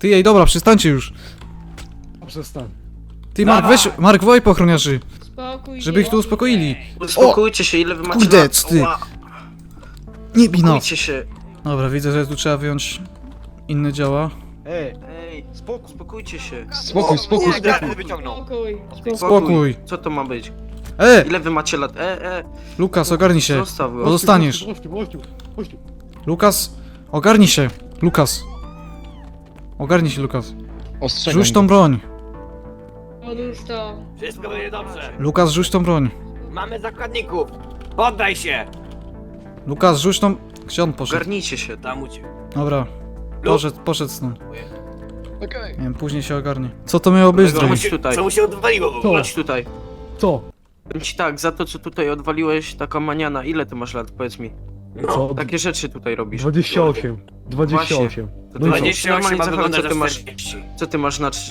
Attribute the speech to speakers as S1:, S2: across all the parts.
S1: Ty, ej, dobra, przestańcie już.
S2: Przestań.
S1: Ty, Mark, weź, Mark, wołaj po ochroniarzy,
S3: Spokój
S1: żeby ich tu
S3: się.
S1: uspokoili.
S4: Uspokójcie się, ile wy macie
S1: Kurde,
S4: lat?
S1: ty.
S4: Ała,
S1: Nie bij nas.
S4: uspokójcie się.
S1: Dobra, widzę, że tu trzeba wyjąć inne działa.
S4: Ej, uspokójcie się.
S2: Spokój, spokój,
S5: Nie,
S2: spokój.
S5: wyciągnął.
S1: Spokój.
S4: Co to ma być?
S1: Ej,
S4: Ile wy macie lat?
S1: Lukas, ogarnij się.
S4: Zostaw go.
S1: Bo dostaniesz.
S2: Chodź tu.
S1: Lukas, ogarnij się. Lukas. Ogarnij się, Lukas.
S2: Ostrzegam.
S1: Rzuć tą broń.
S3: Odłóż to.
S5: Wszystko będzie dobrze.
S1: Lukas, rzuć tą broń.
S5: Mamy zakładników. Poddaj się.
S1: Lukas, rzuć tą... Gdzie on poszedł?
S4: Ogarnijcie się.
S5: Tam uciekł.
S1: Dobra. Poszedł stąd.
S2: Okej.
S1: Nie wiem, później się ogarnie. Co to miało być,
S4: Kolego,
S1: drogi?
S4: chodź tutaj.
S5: Co mu się odwaliło w ogóle?
S4: Chodź tutaj.
S2: Co?
S4: Powiem ci tak, za to co tutaj odwaliłeś, taka maniana, ile ty masz lat, powiedz mi?
S2: Co?
S4: Takie rzeczy tutaj robisz.
S2: 28. 28.
S4: To
S2: No i co?
S5: 28
S4: normalnie
S5: ma
S4: zachow-
S5: wyglądać
S4: co ty
S5: na
S4: masz,
S5: 40.
S4: co ty masz na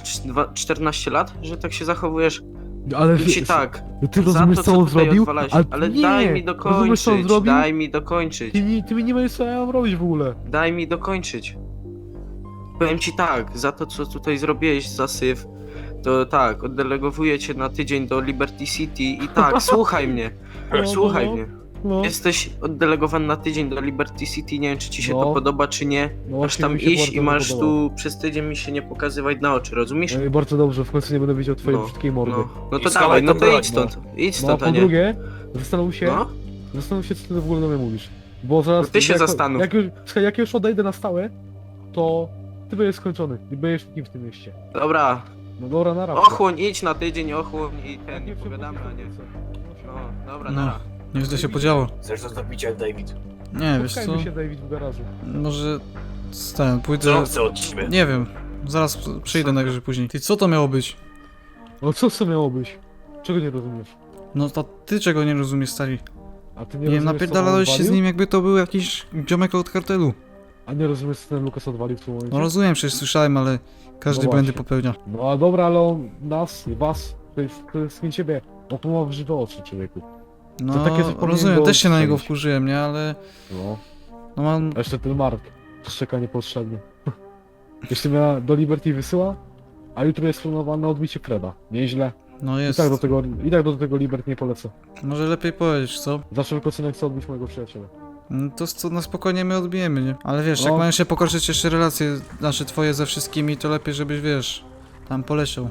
S4: 14 lat, że tak się zachowujesz?
S2: Ale
S4: Powiem ci tak,
S2: ty
S4: za
S2: rozumiesz
S4: to
S2: co
S4: co
S2: on
S4: tutaj
S2: zrobił?
S4: odwalałeś,
S2: Ale
S4: ale
S2: nie,
S4: daj mi
S2: rozumiesz co on
S4: dokończyć,
S2: zrobił?
S4: daj mi dokończyć,
S2: Ty mi nie będziesz co ja mam robić w ogóle.
S4: daj mi dokończyć. Powiem ci tak, za to co tutaj zrobiłeś, za syf, to tak, oddelegowuję cię na tydzień do Liberty City i tak, słuchaj mnie, słuchaj mnie.
S2: No.
S4: Jesteś oddelegowany na tydzień do Liberty City, nie wiem czy ci się
S2: No.
S4: to podoba czy nie.
S2: No
S4: Masz
S2: właśnie
S4: tam
S2: mi się
S4: iść
S2: bardzo
S4: i masz
S2: podoba.
S4: tu przez tydzień mi się nie pokazywać na oczy, rozumiesz?
S2: No i bardzo dobrze, w końcu nie będę widział twojej
S4: No,
S2: brzydkiej mordy.
S4: No
S5: I
S4: to
S5: schowaj
S4: dawaj, no
S5: tą
S4: to
S5: broń,
S4: idź stąd, idź
S2: No a
S4: stąd, a
S2: po
S4: nie.
S2: drugie, zastanów się,
S4: No,
S2: co ty w ogóle do mnie mówisz. Bo zaraz...
S4: No ty się
S2: jak,
S4: zastanów.
S2: Jak już odejdę na stałe, to ty będziesz skończony. Nie będziesz nikim w tym mieście.
S4: dobra,
S2: No dobra, na razie.
S4: ochłoń, idź na tydzień, ochłoń i ten, nie pogadamy, a nie. No, dobra,
S1: No.
S4: dobra.
S1: Nieźle się podziało.
S5: Chcesz zostawić jak David?
S1: Nie, wiesz co?
S2: Spotkajmy się, David, w garażu.
S1: Może... Pójdę...
S5: Co on chce od ciebie?
S1: Nie wiem. Zaraz przyjdę najwyżej później. Ty, co to miało być?
S2: No co to miało być? Czego nie rozumiesz?
S1: No to ty czego nie rozumiesz, stary?
S2: A ty
S1: Nie wiem,
S2: rozumiesz, co on
S1: napierdalałeś się z
S2: odwalił?
S1: nim jakby to był jakiś ziomek od kartelu.
S2: A nie rozumiesz, co ten Lukas odwalił w tym momencie?
S1: No rozumiem, przecież słyszałem, ale każdy
S2: No
S1: błędy
S2: właśnie.
S1: popełnia.
S2: No a dobra, ale on nas, was, to jest nie ciebie. On ma w żywe oczy, człowieku.
S1: No,
S2: To takie coś powinien
S1: rozumiem,
S2: go
S1: też się na niego
S2: odstrzelić.
S1: wkurzyłem, nie? Ale...
S2: No.
S1: No mam...
S2: A jeszcze ten Mark. Szczeka niepotrzebnie. Jeszcze mnie do Liberty wysyła, a jutro jest planowane odbicie Freda. Nieźle.
S1: No
S2: I
S1: jest.
S2: tak do tego Liberty nie polecę.
S1: Może lepiej powiedzieć, co?
S2: Za wszelką cenę chcę odbić mojego przyjaciela.
S1: No to co, na spokojnie my odbijemy, nie? Ale wiesz, jak
S2: No.
S1: mają się pokorszyć jeszcze relacje nasze twoje ze wszystkimi, to lepiej żebyś, wiesz, tam poleciał.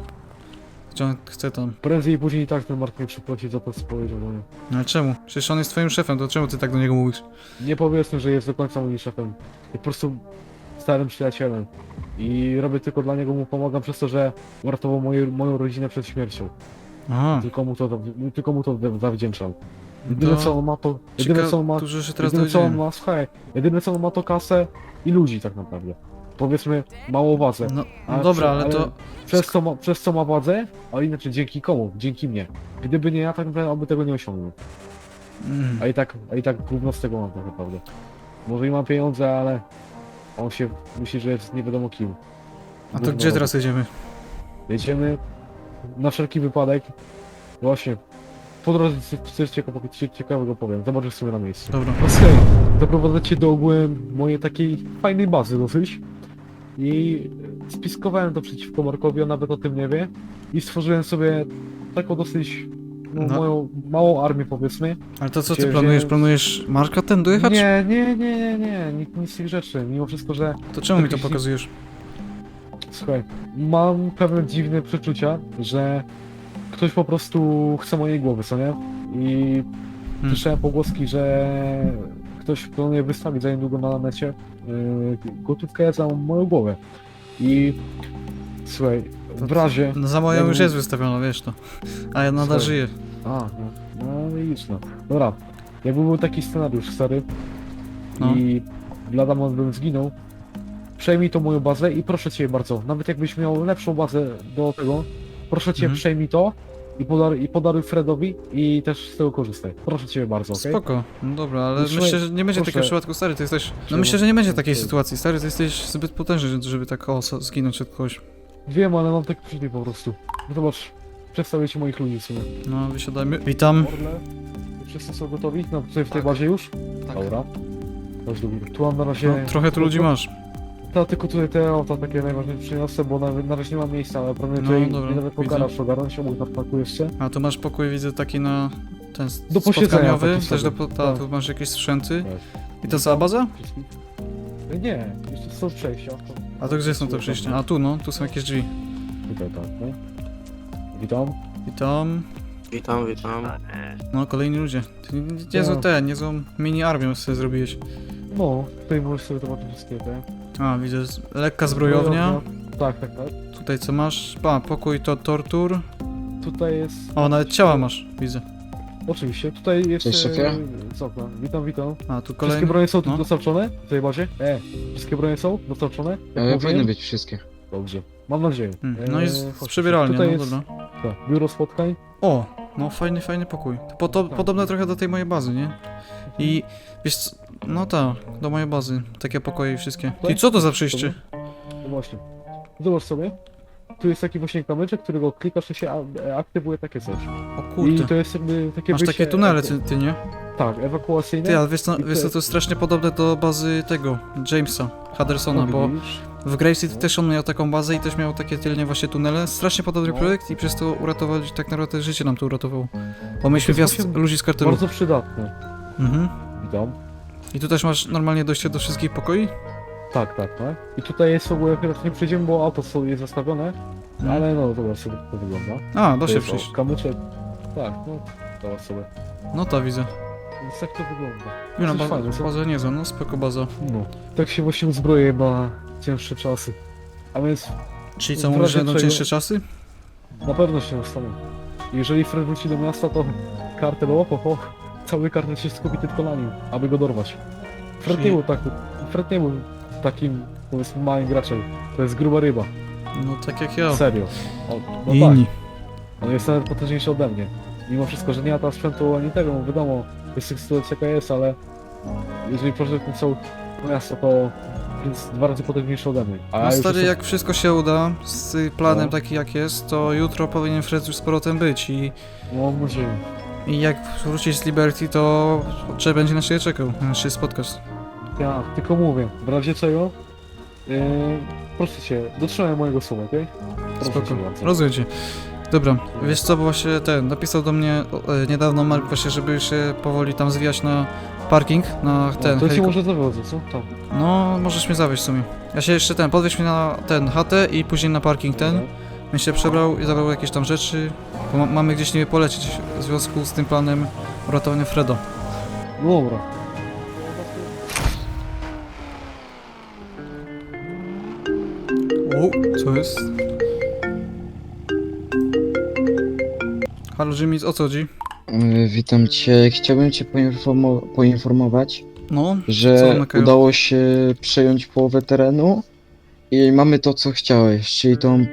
S1: Chcę tam.
S2: Prędzej i później i tak ten Mark mnie przypłaci za to, co powiedział do mnie.
S1: No ale czemu? Przecież on jest twoim szefem, to czemu ty tak do niego mówisz?
S2: Nie powiedzmy, że jest do końca moim szefem. Jest po prostu starym przyjacielem. I robię tylko dla niego, mu pomagam przez to, że uratował moją rodzinę przed śmiercią.
S1: Aha.
S2: Tylko mu to zawdzięczam. Jedyne co on ma to... Jedyne co on ma...
S1: Dużo się teraz
S2: Jedyne co on
S1: dowiedziałem.
S2: ma, słuchaj, jedyne co on ma to kasę i ludzi tak naprawdę. Powiedzmy mało władzę.
S1: No,
S2: A
S1: no dobra,
S2: przy-
S1: ale to...
S2: Przez co ma władzę, a inaczej dzięki komu? Dzięki mnie. Gdyby nie ja, tak naprawdę on by tego nie osiągnął.
S1: Mm.
S2: A i tak gówno z tego mam tak naprawdę. Może i mam pieniądze, ale on się myśli, że jest nie wiadomo kim.
S1: A to
S2: Gówno
S1: gdzie
S2: robi.
S1: teraz jedziemy?
S2: Jedziemy na wszelki wypadek. Właśnie. Po drodze coś ciekawego powiem. Zobaczysz sobie na miejscu.
S1: Dobra.
S2: Okej, zaprowadzę cię do ogółem mojej takiej fajnej bazy dosyć. I spiskowałem to przeciwko Markowi, on nawet o tym nie wie. I stworzyłem sobie taką dosyć
S1: No.
S2: moją małą armię powiedzmy.
S1: Ale to co ty
S2: Gdzie
S1: planujesz?
S2: wziąłem-
S1: Planujesz Marka ten dojechać?
S2: Nie, nic z tych rzeczy. Mimo wszystko, że
S1: To czemu mi to
S2: Jakiś-
S1: pokazujesz?
S2: słuchaj, mam pewne dziwne przeczucia, że ktoś po prostu chce mojej głowy, co nie? I słyszałem pogłoski, że ktoś planuje wystawić za niedługo na necie gotówkę za moją głowę. I słuchaj, w razie...
S1: No za moją
S2: jakby-
S1: już jest wystawiona, wiesz to. A ja nadal
S2: Słuchaj.
S1: żyję.
S2: No widzisz no. Dobra, jakby był taki scenariusz stary
S1: No.
S2: i lada moment bym zginął, przejmij tą moją bazę i proszę cię bardzo, nawet jakbyś miał lepszą bazę do tego, proszę cię
S1: Mhm.
S2: przejmij to i podaruj Fredowi i też z tego korzystaj. Proszę cię bardzo, okej?
S1: Spoko. No dobra, ale
S2: No słuchaj,
S1: myślę, że nie będzie
S2: proszę.
S1: takiego przypadku, stary, ty jesteś... No
S2: Czemu?
S1: myślę, że nie będzie takiej
S2: Okej.
S1: sytuacji, stary, ty jesteś zbyt potężny, żeby tak zginąć od kogoś.
S2: Wiem, ale mam tak przeczucie po prostu. No zobacz, przedstawię ci moich ludzi w sumie.
S1: No, wysiadajmy. Witam.
S2: Orle, wszyscy są gotowi? No, tutaj w tej
S4: Tak.
S2: bazie już?
S4: Tak.
S2: Dobra. Chodź do góry. Tu mam na razie...
S1: No, trochę tu ludzi masz.
S2: To tylko tutaj te auta takie najważniejsze przyniosę, bo na razie nie mam miejsca, ale prawnie
S1: No,
S2: tutaj
S1: dobra,
S2: nie nawet po
S1: widzę.
S2: garaż ogarnąć, obok na parku jeszcze.
S1: A tu masz pokój, widzę, taki na ten
S2: Do posiedzenia
S1: spotkaniowy,
S2: taki
S1: też do,
S2: sobie.
S1: ta,
S2: Tak.
S1: tu masz jakieś sprzęty.
S2: Tak.
S1: I to cała baza?
S2: Nie, jeszcze są przejścia.
S1: A to gdzie są te przejścia? A tu no, tu są jakieś drzwi.
S2: Tutaj tak, no. Witam.
S1: I tam,
S4: Witam, witam.
S1: no kolejni ludzie. Ty niezłą niezłą mini armię sobie zrobiłeś.
S2: No, tutaj możesz sobie zobaczyć wszystkie te...
S1: A, widzę, lekka zbrojownia.
S2: Tak, tak, tak.
S1: Tutaj co masz? A, pokój to tortur.
S2: Tutaj jest...
S1: O, nawet ciała masz, widzę.
S2: Oczywiście, tutaj jeszcze...
S6: Cześć, szefie.
S2: Co tam? Witam, witam.
S1: A, tu
S2: Wszystkie
S1: kolejny.
S2: bronie są tu
S1: no.
S2: dostarczone? W tej bazie? Wszystkie bronie są dostarczone? Jak mówiłem?
S6: Powinny być wszystkie.
S2: Dobrze. Mam nadzieję.
S1: No i
S2: chodźcie.
S1: z przebieralnią,
S2: Tutaj
S1: no
S2: jest
S1: dobra.
S2: tak, biuro spotkań.
S1: O, no fajny pokój. To
S2: Tak.
S1: podobne trochę do tej mojej bazy, nie? I wiesz co, no tak, do mojej bazy. Takie pokoje wszystkie. I co to za przejście?
S2: No właśnie. Zobacz sobie. Tu jest taki właśnie kamyczek, którego klikasz i się aktywuje takie coś.
S1: O
S2: I
S1: kurde.
S2: to jest jakby takie
S1: Masz
S2: wyjście...
S1: takie tunele, ty nie?
S2: Tak, ewakuacyjne.
S1: Ty, ale wiesz co,
S2: I
S1: wiesz co, to jest strasznie podobne do bazy tego, Jamesa Huddersona, bo
S2: widzisz?
S1: w Grave City też on miał taką bazę i też miał takie tylnie właśnie tunele. Strasznie podobny
S2: No.
S1: projekt i przez to uratowali, tak naprawdę życie nam to uratowało. Bo mieliśmy
S2: To jest
S1: wjazd
S2: właśnie
S1: ludzi z kartelu.
S2: Bardzo przydatne.
S1: Mhm.
S2: Witam.
S1: I tu też masz normalnie dojście do wszystkich pokoi?
S2: Tak, tak, tak. I tutaj jest w ogóle, teraz nie przejdziemy, bo auto są jest zastawione, ale no zobacz sobie jak to wygląda.
S1: A, da
S2: To
S1: się
S2: jest,
S1: przejść.
S2: o, kamyczek. Tak, no zobacz sobie.
S1: No to widzę.
S2: Więc tak to wygląda.
S1: No,
S2: Coś
S1: baza,
S2: fajne, co?
S1: baza niezła, no spoko baza.
S2: No. Tak się właśnie uzbroję na cięższe czasy. A więc
S1: Czyli co,
S2: W
S1: mówisz, że
S2: razie
S1: będą
S2: czego-
S1: cięższe czasy?
S2: na pewno się nastaną. Jeżeli Fred wróci do miasta, to kartel, cały kartel się skupi tylko na nim, aby go dorwać. Fred
S1: Czyli-
S2: nie był Fred nie był takim, powiedzmy, małym graczem. To jest gruba ryba.
S1: No tak jak ja.
S2: Serio. No
S1: I
S2: tak.
S1: inni.
S2: On jest nawet potężniejszy ode mnie. Mimo wszystko, że nie ma tam sprzętu ani tego, no wiadomo, jest sytuacja jaka jest, ale jeżeli proszę ten całe miasto, to jest 2 razy potężniejszy ode mnie. A
S1: No
S2: już
S1: stary,
S2: jestem-
S1: jak wszystko się uda, z planem
S2: No.
S1: taki jak jest, to jutro powinien Fred już z powrotem być
S2: Mam nadzieję.
S1: i jak wrócić z Liberty, to trzeba będzie na siebie czekał, na się spotkać.
S2: Ja tylko mówię, w razie czego, proszę cię, dotrzymaj mojego słowa, okej? Proszę
S1: Spoko,
S2: cię bardzo.
S1: rozumiem cię. Dobra, wiesz co, bo właśnie napisał do mnie niedawno Mark właśnie, żeby się powoli tam zwijać na parking, na ten
S2: No, to ci
S1: heliko-
S2: może zawiozę, co? Tam.
S1: No, możesz mnie zawieźć w sumie. Ja się jeszcze podwieź mnie na ten chatę i później na parking ten. Bym się przebrał i zabrał jakieś tam rzeczy, bo mamy gdzieś niby polecieć w związku z tym planem uratowania Freda.
S2: No dobra.
S1: O, co jest? Halo Jimmy, o co chodzi?
S6: Witam cię. Chciałbym cię poinformować,
S1: No, Co
S6: że
S1: na Kaju?
S6: udało się przejąć połowę terenu i mamy to, co chciałeś, czyli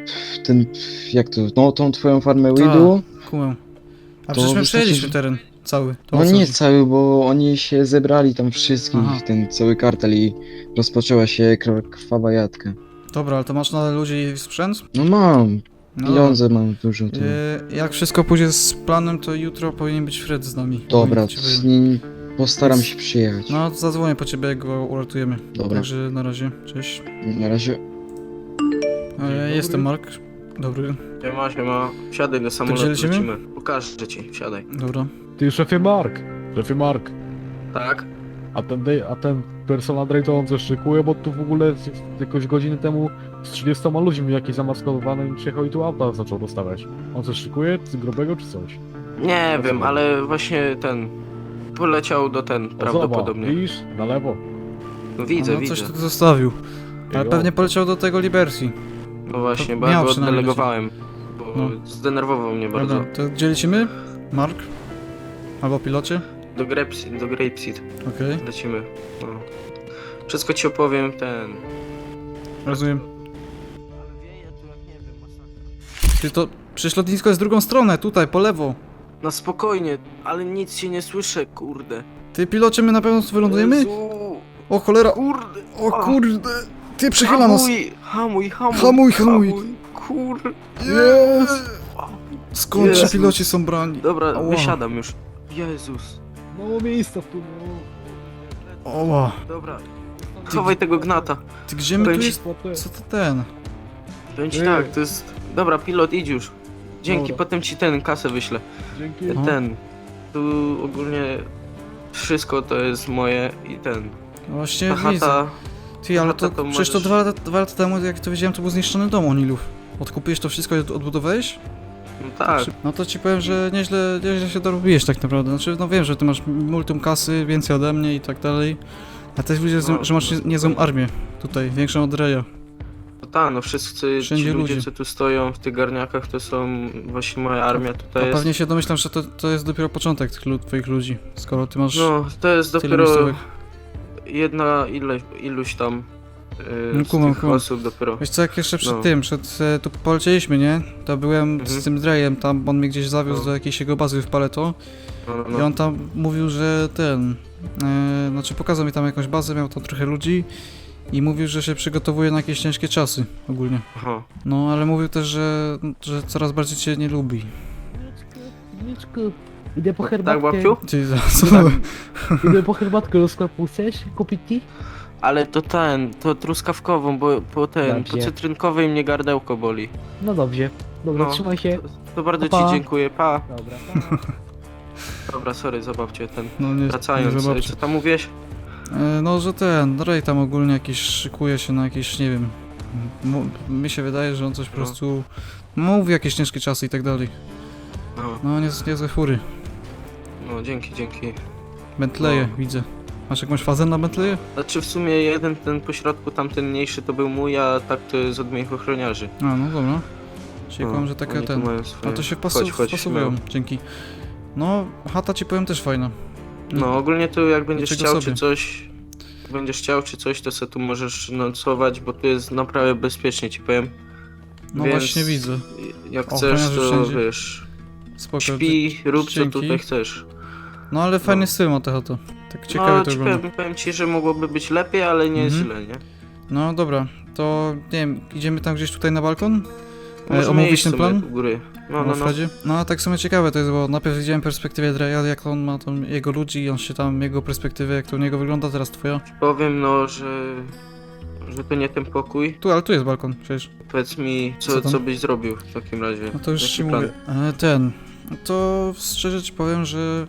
S6: tą twoją farmę
S1: Tak.
S6: weedu.
S1: kumę. A
S6: To
S1: przecież my
S6: wystarczy-
S1: przejęliśmy teren cały. To o
S6: No
S1: co
S6: nie
S1: chodzi?
S6: cały, bo oni się zebrali tam wszystkich,
S1: Aha.
S6: ten cały kartel i rozpoczęła się krwawa jadka.
S1: Dobra, ale to masz nadal ludzi i sprzęt?
S6: No mam,
S1: No
S6: pieniądze mam dużo. To...
S1: Jak wszystko pójdzie z planem, to jutro powinien być Fred z nami.
S6: Dobra,
S1: Powinien
S6: to
S1: ci
S6: z
S1: powiedzieć.
S6: nim postaram się przyjechać.
S1: No, zadzwonię po ciebie, jak go uratujemy.
S6: Dobra.
S1: Także na razie, cześć.
S6: Na razie.
S1: Jestem Mark. Dobry,
S4: Siema. Wsiadaj do samolotu,
S1: gdzie lecimy?
S4: lecimy. Pokażę ci, wsiadaj.
S1: dobra.
S2: Ty, szefie Mark! Szefie Mark!
S4: Tak?
S2: A ten personal Drake to on coś szykuje, bo tu w ogóle jakoś godziny temu z 30 ludźmi jakiś zamaskowany przyjechał i tu auta zaczął dostawać. On coś szykuje? Z grubego czy coś?
S4: Nie wiem, ale właśnie poleciał do prawdopodobnie.
S2: Widzisz? Na lewo.
S4: No widzę,
S1: no,
S4: widzę.
S1: coś tu zostawił. Ale
S2: Jo.
S1: pewnie poleciał do tego Liberty.
S4: No właśnie,
S1: To
S4: bo ja
S1: miał
S4: go
S1: przynajmniej
S4: oddelegowałem. Bo
S1: No.
S4: zdenerwował mnie bardzo.
S1: Dobra, to gdzie lecimy? Mark? Albo pilocie?
S4: Do Grapeseed
S1: Okej,
S4: lecimy. No. Wszystko ci opowiem,
S1: rozumiem. Ty to... Przecież lotnisko jest w drugą stronę, tutaj, po lewo.
S4: No spokojnie, ale nic się nie słyszę, kurde.
S1: Ty pilocie, my na pewno tu wylądujemy?
S4: Jezu,
S1: O cholera,
S4: kurde.
S1: o kurde. Ty przychyla nas.
S4: Hamuj.
S1: Hamuj.
S4: Kurde.
S1: Jest. Skąd ci
S4: Jezus.
S1: piloci są brani?
S4: Dobra,
S1: Ała.
S4: wysiadam już. Jezus.
S2: Mało miejsca w tu.
S1: Oła.
S4: Dobra, chowaj tego gnata.
S1: Ty gdzie my tu
S4: Powiem ci-
S1: jest? Co to ten?
S4: Powiem ci
S2: Ej.
S4: tak, to jest... Dobra, pilot, idź już. Dzięki,
S2: Dobra.
S4: potem ci ten kasę wyślę.
S2: Dzięki.
S1: No.
S4: Ten. Tu ogólnie wszystko to jest moje i ten.
S1: No właśnie
S4: Ta
S1: widzę.
S4: chata...
S1: Ty, ale
S4: chata
S1: to
S4: to
S1: przecież to
S4: możesz-
S1: 2 lata temu, jak to wiedziałem, to był zniszczony dom Onilów. Odkupiłeś to wszystko i odbudowałeś?
S4: No tak.
S1: No to ci powiem, że nieźle się dorobiłeś tak naprawdę. Znaczy, no wiem, że ty masz multum kasy, więcej ode mnie i tak dalej. A też widzę,
S4: No.
S1: że masz niezłą armię tutaj, większą od Reja.
S4: No tak, no wszyscy
S1: Wszędzie
S4: ci ludzie,
S1: ludzie.
S4: co tu stoją w tych garniakach, to są właśnie moja armia
S1: A
S4: tutaj jest.
S1: pewnie się domyślam, że to jest dopiero początek tych twoich ludzi, skoro ty masz
S4: No, to jest
S1: tyle
S4: dopiero
S1: miejscówek.
S4: iluś tam
S1: No,
S4: z
S1: kumam,
S4: tych
S1: kumam.
S4: osób dopiero.
S1: Wiesz co, jak jeszcze przed
S4: No.
S1: tym, tu polecieliśmy, nie? To byłem
S4: Mhm.
S1: z tym Drejem, tam on mnie gdzieś zawiózł
S4: No.
S1: do jakiejś jego bazy w Paleto
S4: No,
S1: i on tam mówił, że znaczy pokazał mi tam jakąś bazę, miał tam trochę ludzi i mówił, że się przygotowuje na jakieś ciężkie czasy ogólnie.
S4: Aha.
S1: No, ale mówił też, że coraz bardziej cię nie lubi.
S2: Niczku. Idę po
S4: Tak,
S2: herbatkę.
S4: babciu?
S1: Ty, co?
S2: Idę po herbatkę do sklepu. Chcesz kupić ci?
S4: Ale to truskawkową, bo po
S2: Dobrze.
S4: cytrynkowej mnie gardełko boli.
S2: No dobrze. Dobra,
S4: No.
S2: trzymaj się.
S4: To bardzo
S2: Pa, pa.
S4: ci dziękuję, pa.
S2: Dobra.
S4: Dobra, sorry, zabawcie ten.
S1: No nie,
S4: Wracając,
S1: nie zobaczy.
S4: co tam mówiłeś?
S1: No, że Ray tam ogólnie jakiś szykuje się na jakieś, nie wiem, mi się wydaje, że on coś po
S4: No.
S1: prostu mówi jakieś ciężkie czasy i tak dalej.
S4: No,
S1: No, niezłe fury.
S4: no dzięki.
S1: Bentleye,
S4: No.
S1: widzę. Masz jakąś fazę na Bentleye?
S4: Znaczy w sumie jeden ten pośrodku, tamten mniejszy to był mój, a tak to jest od moich ochroniarzy.
S1: A, no dobra. Czyli kłam, że taka
S4: oni tu
S1: ten.
S4: mają swoje.
S1: No to się
S4: Chodź,
S1: wpasowują,
S4: no.
S1: dzięki. No, chata ci powiem też fajna.
S4: No ogólnie to jak będziesz
S1: Dlaczego
S4: chciał
S1: sobie?
S4: czy coś, to sobie tu możesz nocować, bo tu jest naprawdę bezpiecznie, ci powiem.
S1: No
S4: Więc
S1: właśnie widzę.
S4: Jak
S1: O,
S4: chcesz,
S1: ochroniarze
S4: to
S1: wszędzie.
S4: wiesz,
S1: Spoko.
S4: śpi, rób co
S1: dzięki.
S4: tutaj chcesz.
S1: No ale fajny
S4: No.
S1: styl ma ta chata. Tak ciekawie
S4: No
S1: to
S4: ci
S1: wygląda.
S4: powiem ci, że mogłoby być lepiej, ale nie jest
S1: Mhm.
S4: źle, nie?
S1: No dobra, to nie wiem, idziemy tam gdzieś tutaj na balkon?
S4: Możemy
S1: Omówić
S4: iść
S1: ten
S4: sobie
S1: plan?
S4: u góry. No,
S1: No, Fredzie? No a tak w sumie ciekawe to jest, bo najpierw widziałem perspektywę Dreya, jak on ma tam jego ludzi i on się tam, jego perspektywę, jak to u niego wygląda, teraz twoja.
S4: Powiem no, że to nie ten pokój.
S1: Tu, ale tu jest balkon przecież.
S4: Powiedz mi,
S1: Co tam?
S4: co byś zrobił w takim razie?
S1: No to już
S4: Jaki
S1: ci
S4: plan?
S1: mówię. No to szczerze ci powiem, że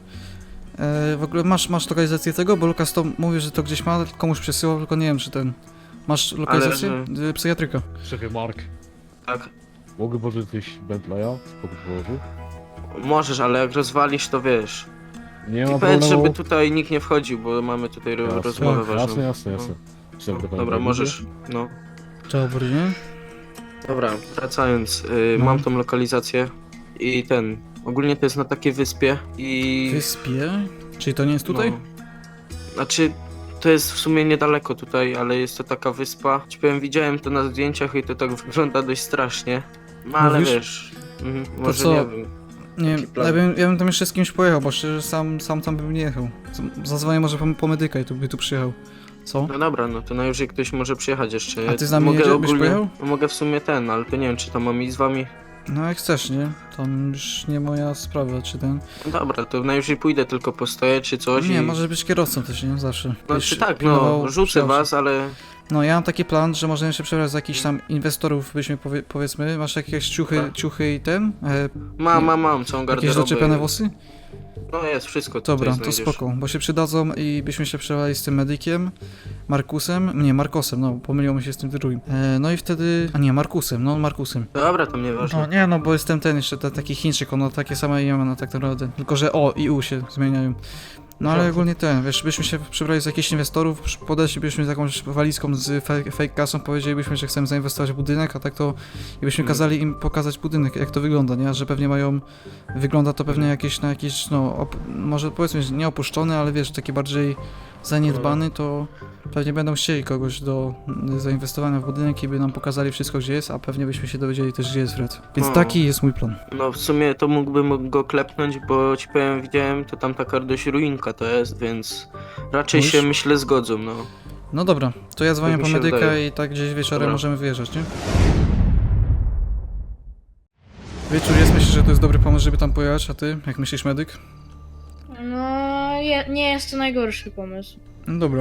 S1: w ogóle masz lokalizację tego, bo Lukas to mówi, że to gdzieś ma, komuś przesyłał, tylko nie wiem czy ten. Masz lokalizację? Psychiatryka.
S2: Szefie Mark.
S4: Tak.
S2: Mogę pożyczyć coś Bentleya? Spokój położył.
S4: Możesz, ale jak rozwalisz, to wiesz.
S2: Nie
S4: I
S2: ma
S4: powiedz,
S2: problemu.
S4: żeby tutaj nikt nie wchodził, bo mamy tutaj
S2: Jasne,
S4: rozmowę
S1: tak,
S4: ważną.
S2: Jasne.
S4: No.
S2: Szef do
S4: Dobra, możesz. No.
S1: Dobry, nie?
S4: Dobra, wracając,
S1: No.
S4: mam tą lokalizację i ogólnie to jest na takiej wyspie i...
S1: Wyspie? Czyli to nie jest tutaj?
S4: No. Znaczy, to jest w sumie niedaleko tutaj, ale jest to taka wyspa. Ci powiem, widziałem to na zdjęciach i to tak wygląda dość strasznie. No ale
S1: Mówisz?
S4: wiesz, może
S1: co?
S4: nie wiem.
S1: Nie,
S4: Jaki plan?
S1: ja bym tam jeszcze z kimś pojechał, bo szczerze sam tam bym nie jechał. Zadzwonię może po medyka i by tu przyjechał. Co?
S4: No dobra, no to najwyżej ktoś może przyjechać jeszcze.
S1: A ty z nami jedziesz? Byś pojechał?
S4: Mogę w sumie ale to nie wiem, czy to mam iść z wami.
S1: No jak chcesz, nie? Tam już nie moja sprawa, czy ten...
S4: No dobra, to najwyżej pójdę, tylko postoję czy coś
S1: Nie,
S4: i...
S1: może być kierowcą też, nie? Zawsze.
S4: No
S1: Byś
S4: czy tak,
S1: pilnował
S4: no, rzucę
S1: przyjazdu.
S4: was, ale...
S1: No ja mam taki plan, że możemy się przebrać za jakichś tam inwestorów, byśmy powiedzmy, masz jakieś
S4: Tak.
S1: ciuchy i ten?
S4: Mam, całą
S1: Jakieś
S4: garderobę.
S1: doczepione włosy?
S4: No jest, wszystko tutaj
S1: Dobra, to
S4: znajdziesz.
S1: spoko, bo się przydadzą i byśmy się przebrali z tym medykiem, Markosem, no pomyliło mi się z tym drugim. No i wtedy, Markusem.
S4: Dobra, to nieważne.
S1: No nie, no bo jestem ten jeszcze, taki Chińczyk, on ma takie same imiona tak naprawdę, tylko że O i U się zmieniają. No ale ogólnie wiesz, byśmy się przebrali z jakichś inwestorów, podeszlibyśmy z jakąś walizką z fake kasą, powiedzielibyśmy, że chcemy zainwestować w budynek, a tak to i byśmy kazali im pokazać budynek, jak to wygląda, nie? Że pewnie wygląda to pewnie jakieś, może powiedzmy, że nie opuszczony, ale wiesz, taki bardziej zaniedbany, to pewnie będą chcieli kogoś do zainwestowania w budynek i by nam pokazali wszystko, gdzie jest, a pewnie byśmy się dowiedzieli też, gdzie jest Fred. Więc
S4: No.
S1: taki jest mój plan.
S4: No w sumie to mógłbym go klepnąć, bo ci powiem, widziałem, to tam taka dość ruinka to jest, więc raczej
S1: Mówisz?
S4: się myślę zgodzą, no.
S1: No dobra, to ja dzwonię
S4: Tak mi
S1: po
S4: się
S1: medyka
S4: wydaje.
S1: i tak gdzieś wieczorem
S4: Dobra.
S1: możemy wyjeżdżać, nie? Wieczór jest, myślisz, że to jest dobry pomysł, żeby tam pojechać, a ty? Jak myślisz, medyk?
S3: No, nie jest to najgorszy pomysł.
S1: No dobra,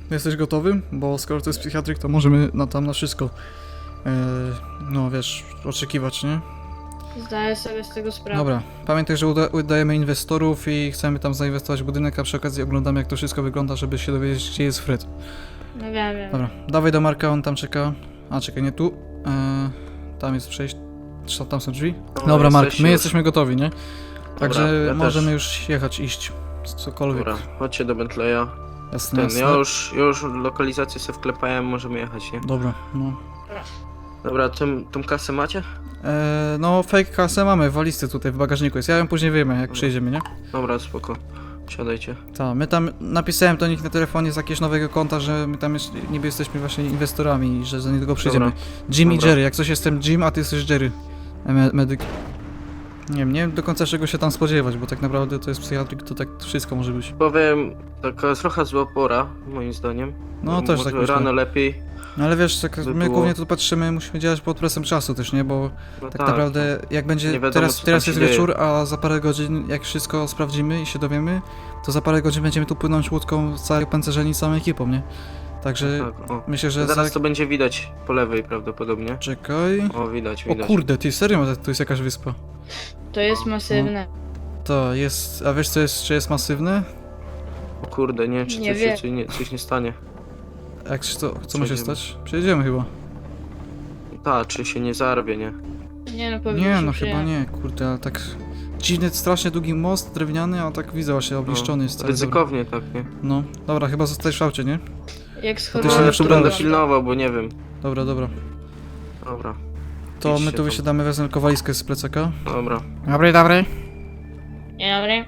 S1: Jesteś gotowy? Bo skoro to jest psychiatryk, to możemy tam na wszystko, no wiesz, oczekiwać, nie?
S3: Zdaję sobie z tego sprawę.
S1: Dobra, pamiętaj, że udajemy inwestorów i chcemy tam zainwestować w budynek, a przy okazji oglądamy, jak to wszystko wygląda, żeby się dowiedzieć, gdzie jest Fred.
S3: No wiem.
S1: Dobra, dawaj do Marka, on tam czeka. A, czekaj, nie tu. Tam jest przejście. Tam są drzwi. Dobra, Mark, my jesteśmy gotowi, nie? Także
S4: ja
S1: możemy
S4: też.
S1: już jechać, iść. Cokolwiek.
S4: Dobra, chodźcie do Bentleya.
S1: Jasne, jasne.
S4: Ja już lokalizację sobie wklepałem, możemy jechać, nie?
S1: Dobra, no.
S4: Dobra, tą kasę macie?
S1: No, fake kasę mamy w walizce tutaj w bagażniku jest. Ja ją później wyjmę, jak przyjedziemy, nie?
S4: Dobra, spoko. Siadajcie.
S1: Tak, my tam napisałem do nich na telefonie z jakiegoś nowego konta, że my tam jeszcze niby jesteśmy właśnie inwestorami i że za niedługo przyjdziemy.
S4: Dobra.
S1: Jim i
S4: Dobra.
S1: Jerry, jak coś jestem Jim, a ty jesteś Jerry. Medyk. Nie wiem do końca czego się tam spodziewać, bo tak naprawdę to jest psychiatryk, to tak wszystko może być.
S4: Powiem, taka trochę zła pora, moim zdaniem.
S1: No też
S4: Może
S1: tak myślę.
S4: rano lepiej.
S1: No ale wiesz, tak,
S4: by
S1: my
S4: było.
S1: głównie tu patrzymy, musimy działać pod presją czasu też, nie? Bo
S4: No
S1: tak naprawdę jak
S4: Nie
S1: będzie,
S4: wiadomo,
S1: teraz
S4: co tam
S1: jest
S4: się dzieje.
S1: wieczór, a za parę godzin jak wszystko sprawdzimy i się dowiemy, to za parę godzin będziemy tu płynąć łódką całej pancerzeni, całą ekipą, nie? Także
S4: Tak, o.
S1: myślę, że
S4: Zaraz
S1: za...
S4: to będzie widać po lewej prawdopodobnie.
S1: Czekaj...
S4: O, widać,
S1: O
S4: widać.
S1: kurde, ty serio, tu jest jakaś wyspa.
S3: To jest masywne.
S1: To jest, a wiesz co jest, czy jest masywne?
S4: O kurde, nie, czy
S3: Nie
S4: coś,
S3: wiem.
S4: coś nie stanie.
S1: Jak się to, co ma się
S4: Przejdziemy.
S1: stać? Przejedziemy chyba.
S4: Ta, czy się nie zarwie, nie?
S3: Nie no, powinniśmy
S1: Nie, no
S3: przyjechać.
S1: chyba nie, kurde, ale tak... Dziwny, strasznie długi most drewniany, a tak widzę właśnie obliszczony jest cały.
S4: Ryzykownie tak, nie?
S1: No, dobra, chyba zostajesz w aucie, nie?
S3: Jak
S1: ty się
S3: schowałem...
S1: nie
S4: No,
S1: przebrałeś.
S4: będę pilnował, bo nie wiem.
S1: Dobra, dobra.
S4: Dobra,
S1: To
S4: Idźcie
S1: my tu
S4: tam.
S1: wysiadamy, wezmę tylko walizkę z plecaka.
S4: dobra.
S1: Dobry, dobry.
S3: Dzień dobry.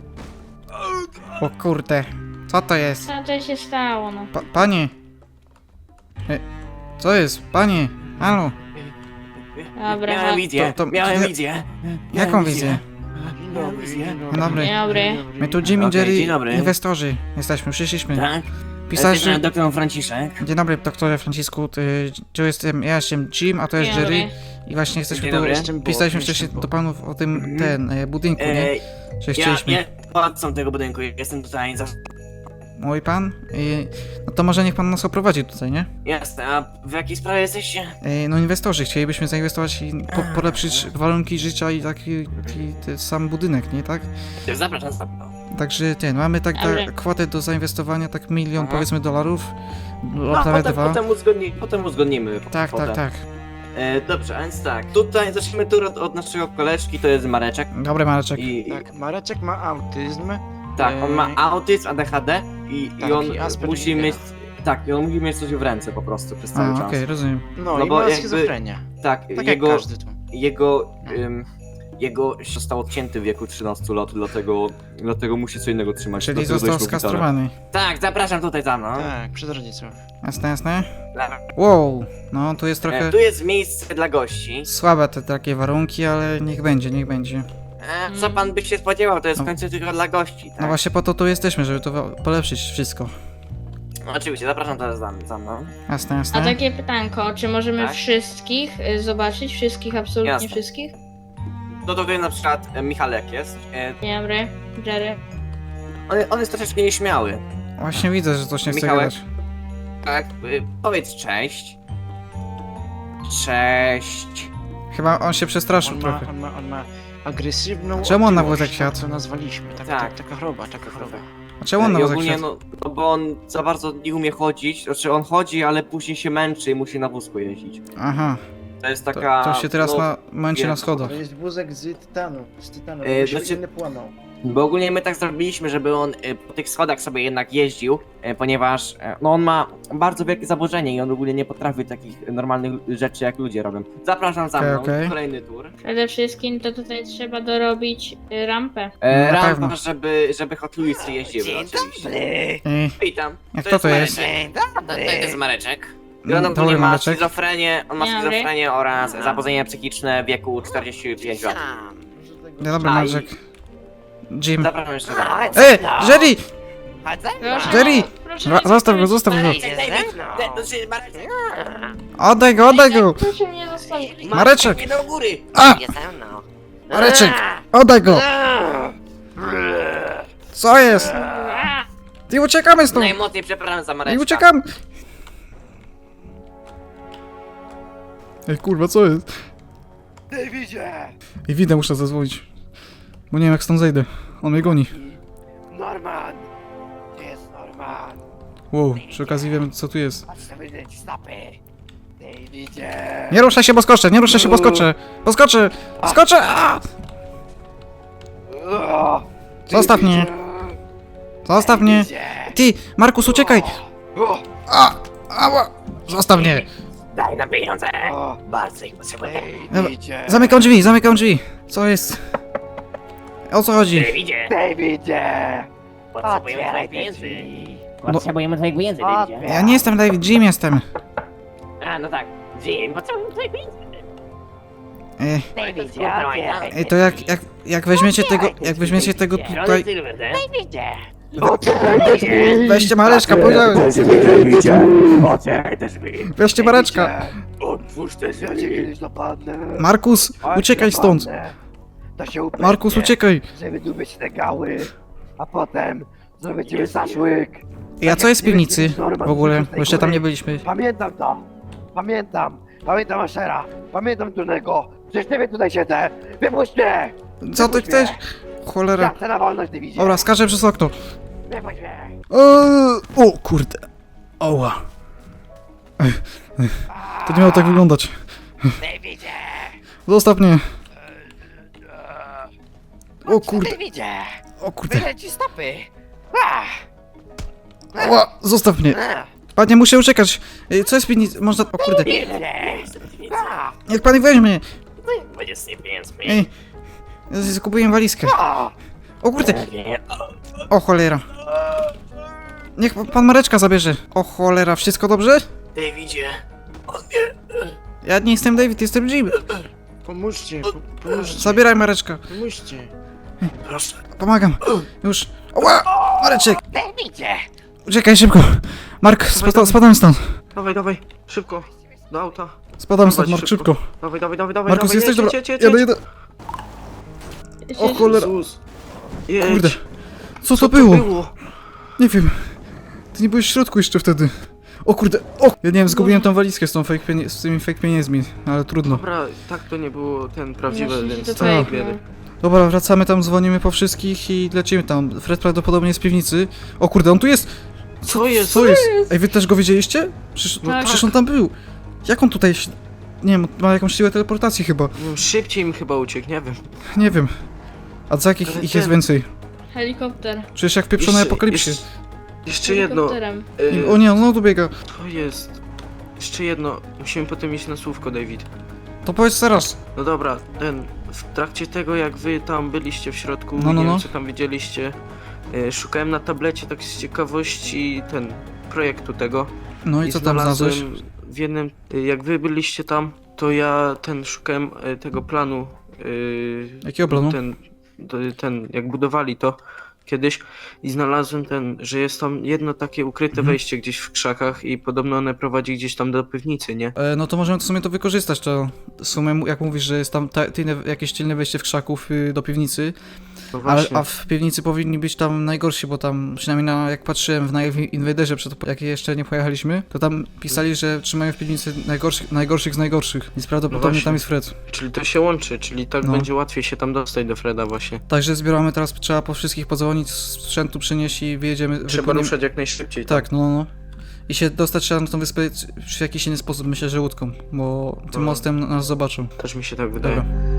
S1: O kurde, co to jest?
S3: Co to się stało, no?
S1: Panie! Co jest? Panie! Halo!
S3: Dobra,
S5: Miałem wizję,
S1: to-
S5: miałem
S1: ja-
S5: wizję.
S1: Jaką
S5: Miałem
S1: wizję?
S5: Miałem wizję.
S1: Dzień dobry.
S3: dzień dobry.
S1: My tu Jim i
S5: Okej,
S1: Jerry,
S5: dzień dobry.
S1: inwestorzy. Jesteśmy, przyszliśmy.
S5: Tak?
S1: Pisałeś,
S5: Jestem
S1: że...
S5: doktor Franciszek.
S1: Dzień dobry, doktorze Francisku. Tu jestem, ja jestem Jim, a to jest
S3: Dzień
S1: Jerry.
S3: dobry.
S1: I właśnie jesteśmy
S5: Dzień
S1: tu...
S5: dobry.
S1: Pisaliśmy wcześniej do panów o tym, budynku, nie?
S5: E,
S1: Że
S5: ja
S1: chcieliśmy.
S5: władcą tego budynku, jestem tutaj za...
S1: Mój pan? No to może niech pan nas oprowadzi tutaj, nie?
S5: Jasne, a w jakiej sprawie jesteście?
S1: No inwestorzy, chcielibyśmy zainwestować i polepszyć warunki życia i taki ten sam budynek, nie tak?
S5: Zapraszam.
S1: Także mamy tak
S3: Dobra.
S1: kwotę do zainwestowania, tak milion powiedzmy dolarów,
S5: No,
S1: prawie dwa.
S5: potem uzgodnimy.
S1: Tak,
S5: kwotę.
S1: tak, tak.
S5: Dobrze, a więc tak, tutaj zacznijmy tu od naszego koleżki, to jest Mareczek.
S1: Dobry Mareczek.
S5: I
S7: Tak, Mareczek ma autyzm.
S5: tak, on ma autyzm, ADHD i
S7: Tak,
S5: on
S7: i Aspergera.
S5: musi mieć... Tak, i on musi mieć coś w ręce po prostu przez cały
S1: A,
S5: czas.
S1: okej, rozumiem.
S7: No,
S5: No
S7: i
S5: bo
S7: ma
S5: jakby-
S7: schizofrenię.
S5: Tak,
S7: Tak
S5: jego,
S7: jak każdy tu.
S5: jego został odcięty w wieku 13 lat, dlatego musi co innego trzymać.
S1: Czyli
S5: dlatego
S1: został
S5: dość mu gitarę.
S1: skastrowany.
S5: Tak, zapraszam tutaj za mną.
S7: Tak, przez rodziców.
S1: Jasne, jasne.
S5: Dobra.
S1: Wow, no tu jest trochę
S5: Tu jest miejsce dla gości.
S1: słabe te takie warunki, ale niech będzie, niech będzie.
S5: Co pan by się spodziewał, to jest
S1: No.
S5: w końcu tylko dla gości, tak?
S1: No właśnie po to tu jesteśmy, żeby to polepszyć wszystko.
S5: No, oczywiście, zapraszam teraz za mną.
S1: Jasne,
S3: A
S1: jasne.
S3: takie pytanko, czy możemy
S5: Tak?
S3: wszystkich zobaczyć? Wszystkich, absolutnie
S5: Jasne.
S3: wszystkich?
S5: No to tutaj na przykład Michalek jest.
S3: Dzień dobry, Jerry.
S5: On jest troszeczkę nieśmiały.
S1: Właśnie widzę, że coś nie chce
S5: Michałek?
S1: gadać.
S5: Tak, powiedz cześć. Cześć.
S1: Chyba on się przestraszył
S7: On
S1: trochę.
S7: ma agresywną
S1: Czemu on na
S7: otyłość,
S1: wózek siadł?
S7: tak to nazwaliśmy.
S5: Tak.
S7: Taka choroba, taka choroba.
S1: A czemu on na
S5: I
S1: wózek
S5: ogólnie,
S1: siadł?
S5: no bo on za bardzo nie umie chodzić, znaczy on chodzi, ale później się męczy i musi na wózku jeździć.
S1: Aha,
S5: To jest
S1: to,
S5: taka...
S1: to się teraz
S5: no,
S1: męczy na
S5: wiem.
S1: schodach.
S8: To jest wózek z tytanu,
S5: znaczy-
S8: inny płonął.
S5: Bo ogólnie my tak zrobiliśmy, żeby on po tych schodach sobie jednak jeździł, ponieważ no on ma bardzo wielkie zaburzenie i on ogólnie nie potrafi takich normalnych rzeczy jak ludzie robią. Zapraszam za
S1: Okej,
S5: mną,
S1: okej.
S5: kolejny tour.
S3: Przede wszystkim to tutaj trzeba dorobić rampę.
S1: Na
S5: Rampa,
S1: pewno.
S5: żeby Hot Wheelsy jeździły oczywiście. Witam.
S1: Jak to jest?
S5: To jest Mareczek. I
S1: Mm,
S5: on
S1: dobry
S5: ogólnie ma
S1: Mareczek.
S5: schizofrenię,
S3: Dobry.
S5: schizofrenię oraz zaburzenie psychiczne w wieku 45 lat.
S1: Dzień dobry
S5: A, i-
S1: Mareczek. Jim.
S5: Zapraszam jeszcze raz.
S1: Jerry!
S3: Proszę,
S1: Jerry!
S3: proszę
S1: Zostaw go, zostaw go!
S5: Mareczek!
S1: Oddaj go, oddaj go!
S3: Proszę mnie zostawić.
S1: Mareczek!
S5: Nie do góry!
S1: A! Mareczek! Oddaj go! Co jest?
S3: A,
S1: Ty uciekamy stąd!
S5: Najmocniej przepraszam za
S1: I
S5: Mareczka.
S1: uciekamy! Ej, kurwa, co jest?
S9: Davidzie!
S1: I widzę, muszę zadzwonić. Bo nie wiem, jak stąd zejdę. On mnie goni.
S9: Norman! Gdzie jest Norman?
S1: Wow, przy okazji wiem, co tu jest.
S9: Patrz sobie ci stopy! Davidzie!
S1: Nie ruszaj się, bo skoczę! Nie ruszaj się, bo skoczę! Poskoczę! Skoczę! A!
S9: O,
S1: Zostaw mnie!
S9: Davidzie!
S1: Zostaw mnie!
S9: Davidzie!
S1: Ty, Markus, uciekaj!
S9: O,
S1: A! Ała! Zostaw mnie!
S5: Daj nam pieniądze.
S9: o,
S5: Bardzo ich potrzebuję.
S9: Davidzie!
S1: Zamykam drzwi, zamykam drzwi! Co jest? O co chodzi?
S5: Davidzie,
S9: Davidzie!
S5: potrzebujemy
S9: Otwieraj
S5: twoich
S9: te
S5: pieniędzy.
S9: drzwi!
S5: Potrzebujemy twoich pieniędzy, Davidzie.
S1: Ja nie jestem David, Jim jestem.
S5: A, no tak. Jim, potrzebujemy twoich pieniędzy.
S9: Davidzie, otwieraj!
S1: To jak weźmiecie tego, tutaj...
S5: Silver, tak?
S9: Davidzie! Otwieraj te drzwi!
S1: Weźcie Mareczka, powiedziałem!
S9: Otwieraj te drzwi!
S1: Weźcie Mareczka!
S9: Otwórz te drzwi! Ja cię kiedyś napadnę!
S1: Markus, uciekaj stąd!
S9: To się upewnię,
S1: Markus, uciekaj!
S9: żeby dubić te gały, a potem zrobię ciebie zaszłyk.
S1: A co jest w piwnicy w ogóle? Bo jeszcze tam nie byliśmy.
S9: Pamiętam to! Pamiętam! Pamiętam Ashera! Pamiętam Turnego! Przecież ciebie tutaj siedzę! Wypuść mnie!
S1: Co ty chcesz? Cholera.
S9: Ja chcę na wolność, ty widzisz!
S1: Dobra, skaczę przez okno.
S9: Wypuść mnie!
S1: O kurde. Oła. To nie miało tak wyglądać.
S9: Davidzie!
S1: Zostaw mnie. O kurde,
S9: Davidzie!
S1: o kurde.
S9: Wyleci stopy! Ah!
S1: Oła, zostaw mnie. Panie, muszę uciekać. Co jest w piwnicy? Można... O kurde.
S9: Davidzie! Ah!
S1: Niech pan weźmie.
S5: Będzie z tymi pieniędzmi.
S1: Ej. Kupiłem walizkę.
S9: Ah!
S1: O kurde. O cholera. Niech pan Mareczka zabierze. O cholera, wszystko dobrze?
S5: Davidzie.
S1: Ja nie jestem David, jestem Jim.
S7: Pomóżcie, pomóżcie,
S1: Zabieraj Mareczka.
S7: pomóżcie.
S5: Proszę.
S1: Pomagam. Już. Oła! Mareczek!
S9: Davidzie!
S1: Uciekaj szybko. Mark, spadam stąd.
S4: Dawaj, szybko. Do auta.
S1: Spadam stąd,
S4: Dawaj,
S1: Mark, szybko.
S4: Dawaj.
S1: Markus,
S4: dawaj,
S1: jesteś dobra?
S4: jedź.
S1: Jadę. O cholera.
S4: Jezus. Jedź.
S1: Kurde. Co to było? Nie wiem. Ty nie byłeś w środku jeszcze wtedy. O kurde. O! Ja nie wiem, zgubiłem tą walizkę z tymi fake pieniędzmi, ale trudno.
S4: Dobra, tak to nie było ten prawdziwy,
S3: Myślę, że
S4: więc
S3: to
S4: to
S3: fake,
S4: biedy.
S1: Dobra, wracamy tam, dzwonimy po wszystkich i lecimy tam. Fred prawdopodobnie jest w piwnicy. O kurde, on tu jest!
S4: Co jest?
S1: Co jest? Ej, wy też go widzieliście?
S3: Tak.
S1: Przecież on tam był. Jak on tutaj... Nie wiem, ma jakąś siłę teleportacji chyba.
S4: Szybciej mi chyba uciekł, nie wiem.
S1: Nie wiem. A za jakich
S4: Ale
S1: ich
S4: ten-
S1: jest więcej?
S3: Helikopter.
S1: Przecież jak w pieprzonej apokalipsie.
S4: Jeszcze jedno.
S3: Helikopterem.
S1: O nie, on tu biega.
S4: To jest. Jeszcze jedno. Musimy potem iść na słówko, David.
S1: To powiedz teraz.
S4: No dobra, w trakcie tego jak wy tam byliście w środku,
S1: No,
S4: nie wiem
S1: no.
S4: co tam widzieliście, szukałem na tablecie tak z ciekawości projektu tego.
S1: No i co tam znalazłeś?
S4: znalazłem w jednym, jak wy byliście tam, to ja szukałem tego planu.
S1: Jakiego planu?
S4: Ten, jak budowali to kiedyś i znalazłem że jest tam jedno takie ukryte wejście gdzieś w krzakach i podobno one prowadzi gdzieś tam do piwnicy, nie?
S1: No to możemy w sumie to wykorzystać, to w sumie jak mówisz, że jest tam jakieś tylne wejście w krzaków do piwnicy,
S4: No
S1: ale,
S4: właśnie.
S1: a w piwnicy powinni być tam najgorsi, bo tam przynajmniej jak patrzyłem w Invaderze, jak jeszcze nie pojechaliśmy, to tam pisali, że trzymają w piwnicy najgorszych z najgorszych, więc prawdopodobnie
S4: właśnie.
S1: tam jest Fred.
S4: Czyli to się łączy, czyli tak
S1: No.
S4: będzie łatwiej się tam dostać do Freda właśnie.
S1: Także zbieramy teraz, trzeba po wszystkich podzwonić, sprzętu przynieść i wyjedziemy.
S4: Trzeba
S1: wypłyniemy-
S4: ruszać jak najszybciej.
S1: Tak, no. I się dostać trzeba na tą wyspę w jakiś inny sposób, myślę, że łódką, bo tym
S4: No.
S1: mostem nas zobaczą.
S4: Też mi się tak wydaje.
S1: Dobra.